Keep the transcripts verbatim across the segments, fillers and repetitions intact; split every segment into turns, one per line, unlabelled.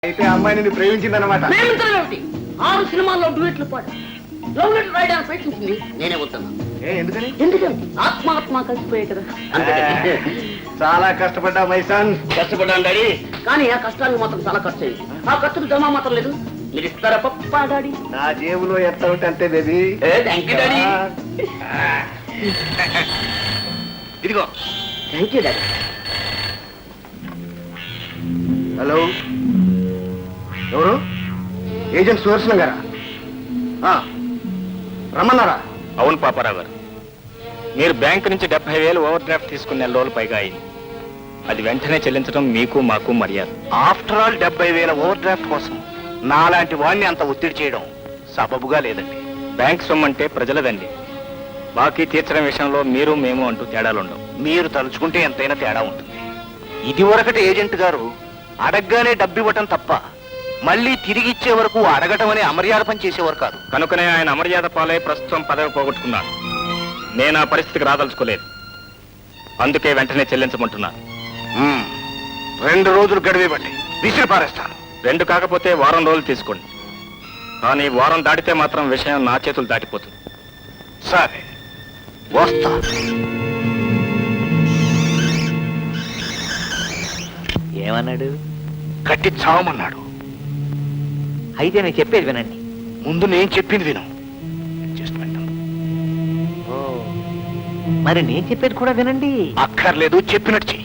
అయితే అమ్మాయి నిన్ను ప్రేమించిందన్నమాట.
ప్రేమించడం ఏమిటి? ఆరు సినిమాల్లో డ్యూయెట్లు పాడు లవ్ లెటర్ రాయడానికి ప్రయత్నించింది, నేనే వద్దన్నా.
ఏ ఎందుకని?
ఎందుకంటే ఆత్మాత్మ కలిసిపోయాయి కదా.
చాలా కష్టపడ్డా మైసాన్.
కష్టపడ్డాను డాడీ, కానీ ఆ కష్టానికి మాత్రం చాలా ఖర్చు అయింది. ఆ ఖర్చుకు జమా మాత్రం లేదు. మీరు ఇస్తారా పప్పా డాడీ?
నా జేబులో ఎంత ఉంటే అంతే బేబీ.
Thank you daddy.
ఇదిగో.
Thank you daddy.
హలో, ఎవరు? ఏజెంట్ సుదర్శనం గారా? రమ్మన్నారా?
అవును పాపారావు గారు, మీరు బ్యాంకు నుంచి డెబ్బై వేలు ఓవర్ డ్రాఫ్ట్ తీసుకున్న నెల రోజులు పైగా అయింది. అది వెంటనే చెల్లించడం మీకు మాకు మర్యాద.
ఆఫ్టర్ ఆల్ డెబ్బై వేల ఓవర్ డ్రాఫ్ట్ కోసం నాలాంటి వాడిని అంత ఒత్తిడి చేయడం సబబుగా లేదండి.
బ్యాంక్ సొమ్ము అంటే ప్రజలదండి. బాకీ తీర్చడం విషయంలో మీరు మేము అంటూ తేడాలుండవు.
మీరు తలుచుకుంటే ఎంతైనా తేడా ఉంటుంది. ఇది వరకటి ఏజెంట్ గారు అడగ్గానే డబ్బు ఇవ్వటం తప్ప మళ్ళీ తిరిగి ఇచ్చే వరకు అడగటం అనే అమర్యాద పని చేసేవారు కాదు.
కనుకనే ఆయన అమర్యాద పాలై ప్రస్తుతం పదవి పోగొట్టుకున్నారు. నేను ఆ పరిస్థితికి రాదలుచుకోలేదు. అందుకే వెంటనే చెల్లించమంటున్నాను.
రెండు రోజులు గడివేబట్టి విసిరి పారేస్తాను.
రెండు కాకపోతే వారం రోజులు తీసుకోండి. కానీ వారం దాటితే మాత్రం విషయం నా చేతులు దాటిపోతుంది.
సరే, వస్తా.
ఏమన్నాడు?
కట్టి చావమన్నాడు.
అయితే నేను చెప్పేది వినండి.
ముందు నేను చెప్పింది విను.
ఓ, మరి నేను చెప్పేది కూడా వినండి.
అక్కర్లేదు, చెప్పినట్టు చెయ్యి.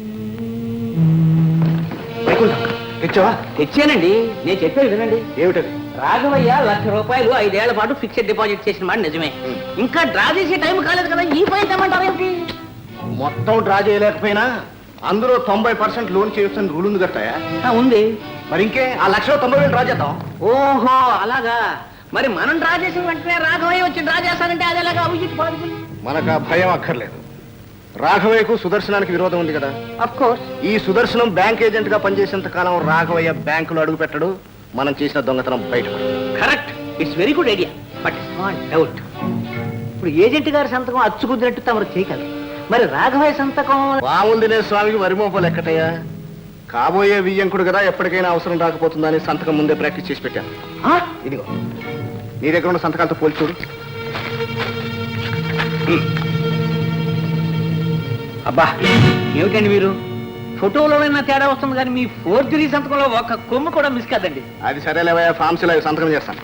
తెచ్చావా?
తెచ్చానండి. నేను చెప్పేది వినండి.
ఏమిటది?
రాఘవయ్య లక్ష రూపాయలు ఐదేళ్ల పాటు ఫిక్స్డ్ డిపాజిట్ చేసిన మాట నిజమే. ఇంకా డ్రా చేసే టైం కాలేదు కదా, ఈ పని తెమ్మంటారు ఏమిటి?
మొత్తం డ్రా చేయలేకపోయినా అందులో తొంభై పర్సెంట్ లోన్ చేయొచ్చని రూల్ ఉంది కట్టాయా?
ఉంది.
మరి ఇంకే ఆ లక్షలో తొంభై వేలు డ్రా చేద్దాం.
ఓహో అలాగా. మరి మనం డ్రా చేసిన వెంటనే రాఘవయ్య వచ్చి డ్రా చేస్తానంటే అదేలాగా అభిజిత్ పాడుతుంది.
మనకు ఆ భయం అక్కర్లేదు. రాఘవయ్యకు సుదర్శనానికి విరోధం ఉంది కదా.
Of course.
ఈ సుదర్శనం బ్యాంక్ ఏజెంట్ గా పనిచేసేంత కాలం రాఘవయ్య బ్యాంకులో అడుగు పెట్టడు. మనం చేసిన దొంగతనం బయటపడు.
Correct. It's very good idea. But small doubt. ఇప్పుడు ఏజెంట్ గారి సంతకం అచ్చుకుద్దినట్టు తమరు చేయగలరు. మరి రాఘవయ్య సంతకం?
పాములు తినే స్వామికి వరిమోపలు ఎక్కటయ్యా. కాబోయే వియ్యంకుడు కదా, ఎప్పటికైనా అవసరం రాకపోతుందని సంతకం ముందే ప్రాక్టీస్ చేసి పెట్టాను. ఇదిగో, నీ దగ్గర ఉన్న సంతకాలతో పోల్చి చూడు.
అబ్బా, ఏమిటండి మీరు? ఫోటోలోనైనా తేడా వస్తుంది కానీ మీ ఫోర్జరీ సంతకంలో ఒక కొమ్ము కూడా మిస్ కాదండి.
అది సరేలేవయ్యా, ఫామ్స్ ఇలా సంతకం చేస్తాను.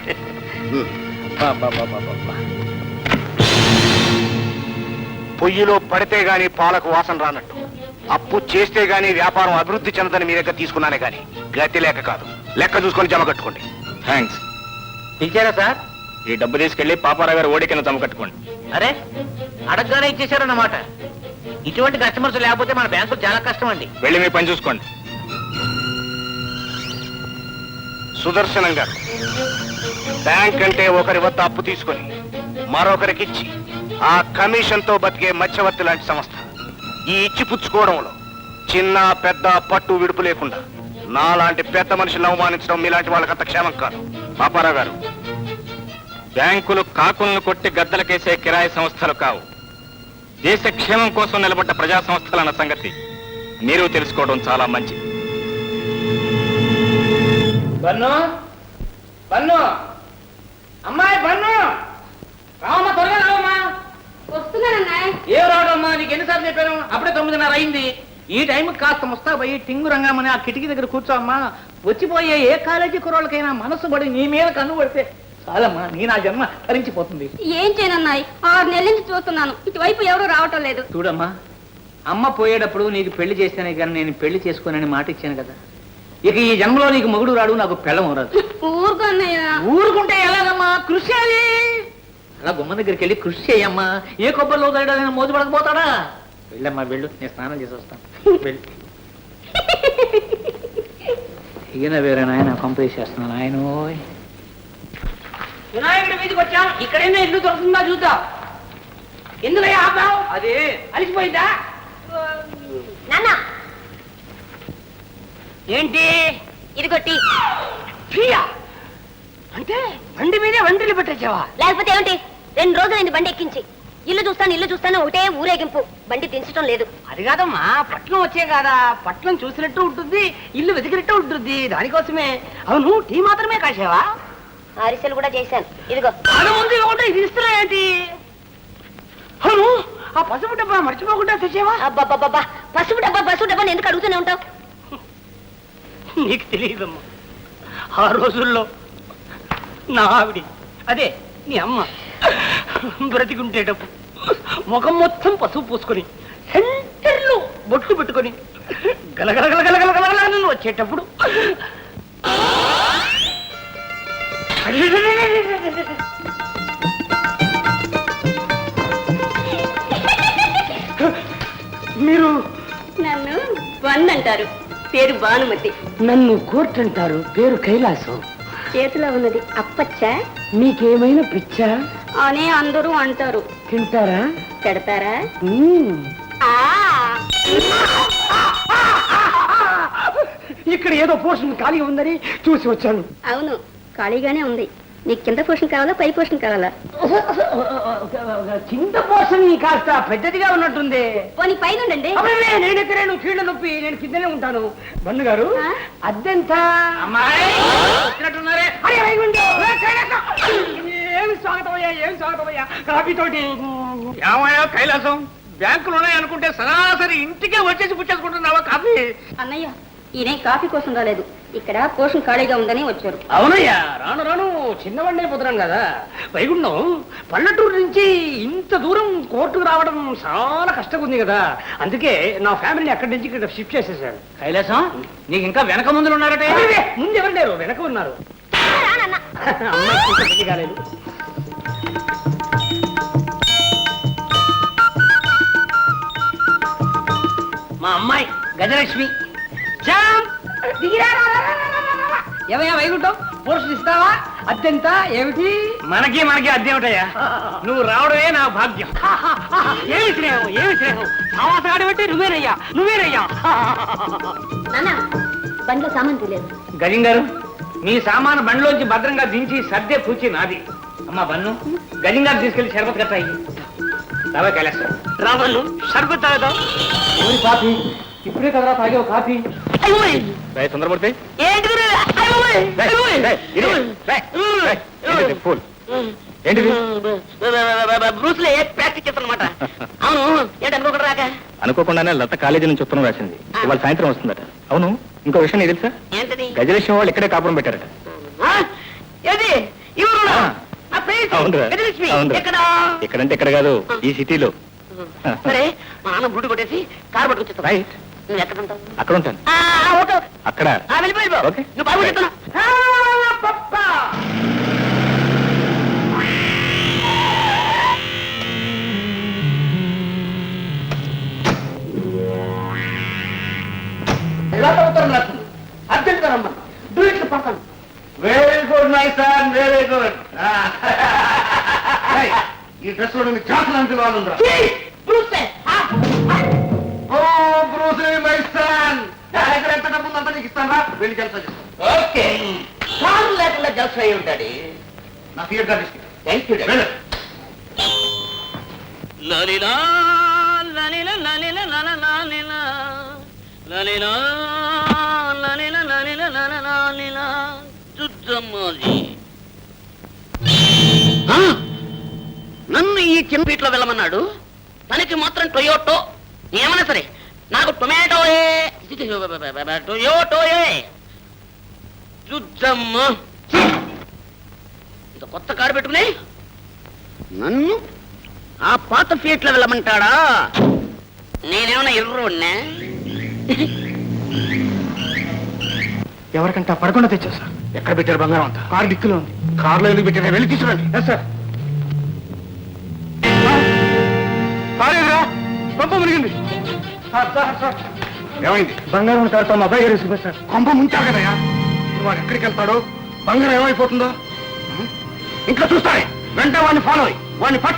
పొయ్యిలో పడితే గాని పాలకు వాసన రానట్టు, అప్పు చేస్తే గాని వ్యాపారం అభివృద్ధి చెందని మీ దగ్గర తీసుకున్నానే గాని గతి లేక కాదు. లెక్క చూసుకొని జమ కట్టుకోండి.
థ్యాంక్స్.
ఇచ్చారా సార్?
ఈ డబ్బు తీసుకెళ్లి పాపారావు గారు ఓడి కింద జమ కట్టుకోండి.
అరే, అడగగానే ఇచ్చేశారన్నమాట. ఇటువంటి కస్టమర్స్ లేకపోతే మన బ్యాంకు చాలా కష్టం అండి.
వెళ్ళి మీ పని చూసుకోండి.
సుదర్శనం గారు, బ్యాంక్ అంటే ఒకరి వద్ద అప్పు తీసుకొని మరొకరికిచ్చి ఆ కమిషన్ తో బతికే మధ్యవర్తి లాంటి సంస్థ. ఈ ఇచ్చి పుచ్చుకోవడంలో చిన్న పెద్ద పట్టు విడుపు లేకుండా నాలాంటి పెద్ద మనుషులను అవమానించడం మీలాంటి వాళ్ళకంత క్షేమం కాదు.
పాపారావు గారు, బ్యాంకులు కాకులను కొట్టి గద్దలకేసే కిరాయి సంస్థలు కావు. దేశ క్షేమం కోసం నిలబడ్డ ప్రజా సంస్థలన్న సంగతి మీరు తెలుసుకోవడం చాలా మంచిది.
బన్ను, బన్ను, అమ్మాయి బన్ను, రావమ్మా, త్వరగా రావమ్మా.
వస్తున్నానన్నా.
ఏం రావడమ్మా, నీకు ఎన్నిసార్లు చెప్పాను? అప్పుడే తొమ్మిదిన్నర అయింది. ఈ టైంకి కాస్త ముస్తా పోయి టింగు రంగమని ఆ కిటికీ దగ్గర కూర్చోమ్మా. వచ్చిపోయే ఏ కాలేజీ కుర్రోళ్ళకైనా మనసు పడి నీ మీద కన్ను పడితే చాలమ్మా, నీ నా జన్మ తరించిపోతుంది.
ఏం చేయనన్నాయి? ఆరు నెలల నుంచి చూస్తున్నాను, ఇటువైపు ఎవరు రావటం లేదు.
చూడమ్మా, అమ్మ పోయేటప్పుడు నీకు పెళ్లి చేస్తేనే కానీ నేను పెళ్లి చేసుకోనని మాట ఇచ్చాను కదా. ఇక ఈ జన్మలో నీకు మొగుడు రాడు, నాకు పెళ్ళం రాదు.
ఊరుకున్నాయ.
ఊరుకుంటే ఎలాగమ్మా? కృషి చేయాలి. అలా గుమ్మ దగ్గరికి వెళ్ళి కృషి చేయమ్మా. ఏ కొబ్బరిలో తగ్గడా మోజు పడకపోతాడా? వెళ్ళమ్మా, వెళ్ళు, నేను స్నానం చేసి వస్తాను. వెళ్ళి ఈయన వేరే నాయన కంప్లీట్ చేస్తున్నాను. ఆయన వినాయకుడి మీదకి వచ్చాం. ఇక్కడైనా ఇల్లు దొరుకుతుందా చూద్దాం. ఎందుకు ఆపావు? అది అలిసిపోయిందా?
నాన్న,
ఏంటి
ఇదిగొట్టి.
అంటే బండి మీదే వంటలు పెట్టేసావా?
లేకపోతే ఏమిటి? రెండు రోజులైంది బండి ఎక్కించి. ఇల్లు చూస్తాను ఇల్లు చూస్తాను ఒకటే ఊరేగింపు బండి దించడం లేదు.
అది కాదమ్మా, పట్నం వచ్చే కాదా, పట్నం చూసినట్టు ఉంటుంది, ఇల్లు వెతికినట్టు ఉంటుంది, దానికోసమే. అవును, టీ మాత్రమే కాసేవా?
అరిసెలు కూడా చేశాను, ఇదిగో.
అది ముందు ఇవ్వకుండా ఇది ఇస్తున్నా ఏంటి? అవును, ఆ పసుపు డబ్బా మర్చిపోకుండా తెచ్చేవా?
అబ్బాబ్బాబ్బా, పసుపు డబ్బా పసుపు డబ్బా ఎందుకు అడుగుతూనే ఉంటావు?
నీకు తెలియదమ్మా, ఆ రోజుల్లో నా ఆవిడి, అదే నీ అమ్మ బ్రతికుంటేటప్పుడు ముఖం మొత్తం పసుపు పూసుకొని సెంటర్లో బొట్లు పెట్టుకొని గలగలగలగలగలగల వచ్చేటప్పుడు మీరు
నన్ను వన్ అంటారు, పేరు భానుమతి.
నన్ను కోర్టు అంటారు, పేరు కైలాసం.
చేతిలో ఉన్నది అప్పచ్చా?
మీకేమైనా పిచ్చా?
అని అందరూ అంటారు.
తింటారా?
పెడతారా?
మ్మ్.
ఆ
ఇక్కడ ఏదో పోర్షన్ ఖాళీ ఉందని చూసి వచ్చాను.
అవును, ఖాళీగానే ఉంది. నీకు కింద పోషన్ కావాలా, పై పోషన్ కావాలా?
కింద పోర్షన్ కాస్త పెద్దదిగా ఉన్నట్టుంది.
పోనీ పైన ఉండండి.
అబ్బే, నేను ఎక్కడేను, కీళ్ళ నొప్పి, నేను కిందనే ఉంటాను. బండు గారు,
ఆ?
అద్దెంత?
అమ్మాయి వచ్చినట్టున్నారే.
అరే, వైగుండు, ఏ, కైలాసం! ఏమి స్వాగతం అయ్యా, ఏమి స్వాగతం అయ్యా, కాఫీ తోటి.
ఏమయ్యా కైలాసం, బ్యాంకులు ఉన్నాయి అనుకుంటే సరాసరి ఇంటికే వచ్చేసి పుచ్చేసుకుంటున్నావా కాఫీ?
అన్నయ్య, ఈయన కాఫీ కోసం రాలేదు, ఇక్కడ పోషన్ ఖాళీగా ఉందని వచ్చారు.
అవునయ్యా, రాను రాను చిన్నవాడిని అయిపోతున్నాను కదా. వైగుండం పల్లెటూరు నుంచి ఇంత దూరం కోర్టుకు రావడం చాలా కష్టంగా ఉంది కదా, అందుకే నా ఫ్యామిలీని అక్కడి నుంచి ఇక్కడ షిఫ్ట్ చేసేసాను.
కైలాసం, నీకు ఇంకా వెనక ముందులు ఉన్నారటే.
అరే, ముందు ఎవరు లేరు, వెనక ఉన్నారు. అమ్మాయి ఇంకా పెళ్లి కాలేదు. మా అమ్మాయి గజలక్ష్మి. శ్యామ్, దిగిరా, రా, రా, రా, రా, రా, రా. ఏమయ్యా వైగుంఠం, పోర్షన్ ఇస్తావా? అద్దెంత? ఏమిటి?
మనకి మనకి అద్దెమిటయ్యా, నువ్వు రావడమే నా భాగ్యం.
ఏమి స్నేహం, ఏమి స్నేహం, సావాసగాడు పెట్టి నువ్వేనయ్యా, నువ్వేనయ్యా.
నాన్న, బండిలో సామాన్ తెలియదు.
గజం గారు, మీ సామాను బండిలోంచి భద్రంగా దించి సర్దే పూచి నాది. అమ్మా బన్ను, గజం గారు తీసుకెళ్లి షర్బత్ కట్ట అయ్యి రావా కైలాసం.
రావణు షర్బత్ తాగదా? ఓరి పాపి, ఇప్పుడే కదరా తాగే కాఫీ.
తొందరపడితే
ఏంటి
ఏంటిది?
బ్రూస్లే ప్రాక్టీస్ చేస్తానమాట. అవును, ఏంటి అనుకోకుండా రాక?
అనుకోకుండానే లత కాలేజీ నుంచి ఉత్తరం రాసింది, ఇవాళ సాయంత్రం వస్తుందట. అవును, ఇంకో విషయం నీకు తెలుసా?
ఏంటది?
గజలక్ష్మి వాళ్ళు ఇక్కడే కాపురం పెట్టారట.
ఆ? ఏది? ఇవ్వరు?
ఆ.
ఆ ప్లేస్?
అవునురా,
గజలక్ష్మి,
అవునురా.
ఎక్కడ?
ఎక్కడంటే ఎక్కడ కాదు, ఈ సిటీలో.
సరే, మా నాన్న బుడ్డు కొట్టేసి కారు పట్టుకొచ్చేస్తా.
రైట్,
నువ్వు ఎక్కడ ఉంటావు?
అక్కడ ఉంటాను.
ఆ, ఓకే.
అక్కడ
ఆ, వెళ్ళిపోయి పో.
ఓకే.
నువ్వు బాబు చెప్తున్నా. అర్జెంట్ పక్కన.
Very good my son, very good. ఈ డ్రెస్ లో జాతలు అంటే వాళ్ళుందా?
బ్రూస్లే. ఆ,
ఓ బ్రూసీ మై సన్, నా దగ్గర ఎంత డబ్బు ఉందంతా నీకు ఇస్తాను, వెళ్ళి జల్సా చేస్తాను.
ఓకే. కారు లేకుండా జల్స్ అయి ఉంటాడు.
నా థియేటర్ తీసుకు.
Thank you.
వెళ్ళు.
లలిలా లలిల లలిల లల లలిల లలిలా లలిల లలిల లల లలిల చుద్దమ్మది. నన్ను ఈ చిన్నపీట్లో వెళ్ళమన్నాడు, తనకి మాత్రం టొయోటో ఏమన్నా సరే, నాకు టొమాటోయే టొయోటోయే. చుద్దమ్మ, ఇంత కొత్త కారు పెట్టుకుని నన్ను ఆ పాత ఫీట్ లో వెళ్ళమంటాడా? నేనేమన్నా ఎర్రోడ్నా?
ఎవరికంటే పడకుండా తెచ్చా. ఎక్కడ పెట్టారు బంగారం అంతా? కారు డిక్కులో ఉంది. కారులో ఎందుకు పెట్టారు? వెళ్ళి తీసుకురండి. సార్, కొంప మునిగింది. ఏమైంది? బంగారం కారుతో మా అబ్బాయి గారు వేసుకుపోయి సార్. కొంప ముంచారు కదయా, వాడు ఎక్కడికి వెళ్తాడో, బంగారం ఏమైపోతుందో ఇంట్లో చూస్తాడే. వెంటనే వాడిని ఫాలో అయ్యి వాడిని పట్టు.